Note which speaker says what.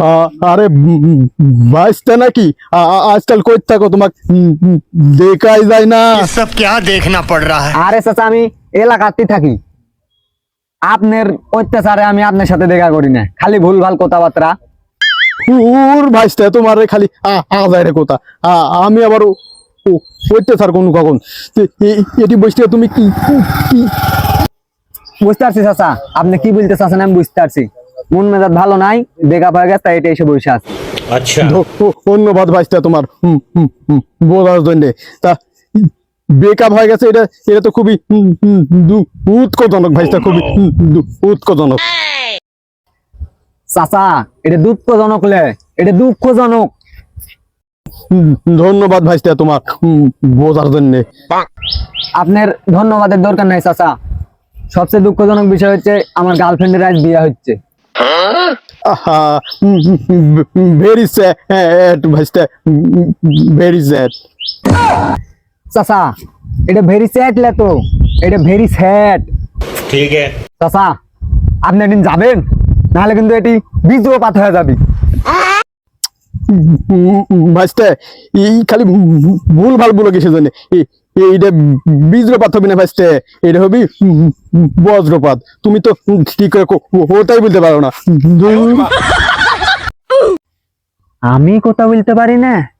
Speaker 1: আরে ভাইস্তা নাকি আজকাল কই থাকো তোমাকে দেখাই যায় না।
Speaker 2: ये सब क्या देखना पड़ रहा है।
Speaker 3: আরে চাচা আমি এলাকাতেই থাকি, আপনার অত্যাচারে আমি আপনার সাথে দেখা করি না, খালি ভুলভাল কথাবার্তা।
Speaker 1: ওর ভাইস্তা তোমার খালি আজায় রে কথা, আমি আবার অত্যাচার কোন কখন এটি বসতে তুমি কি
Speaker 3: বুঝতে পারছি চাচা, আপনি কি বলতে চাচ্ছেন আমি বুঝতে পারছি। মন মেজাজ ভালো নাই, দেখা পাওয়া গেছে, তাই এটা এসে বসে আছে।
Speaker 2: अच्छा
Speaker 1: ধন্যবাদ ভাইস্তা তোমার বোঝার জন্য। তা বেকআপ হয়ে গেছে, এটা এটা তো খুবই উৎকটজনক ভাইস্তা, খুবই উৎকটজনক।
Speaker 3: চাচা এটা দুঃখজনক লে, এটা দুঃখজনক।
Speaker 1: ধন্যবাদ ভাইস্তা তোমার বোঝার জন্য।
Speaker 3: আপনার ধন্যবাদের দরকার নাই চাচা, সবচেয়ে দুঃখজনক বিষয় হচ্ছে আমার গার্লফ্রেন্ডের আজ বিয়ে হচ্ছে।
Speaker 1: ভেরি স্যাড ভাইস্তা, ভেরি স্যাড।
Speaker 3: চাচা এটা ভেরি স্যাড লে, তো এটা ভেরি স্যাড।
Speaker 2: ठीक है।
Speaker 3: চাচা আপনি একদিন যাবেন, নাহলে কিন্তু এটি বীজপাত হয়ে যাবে।
Speaker 1: ভাইস্তা এই খালি ভুল ভাল বলে কিসের জন্য? এইটা বীজ্রপাত হবে না ভাইস্তা, এটা হবে বজ্রপাত। তুমি তো ঠিক করে ওটাই বলতে পারো না।
Speaker 3: আমি কথা বলতে পারি না।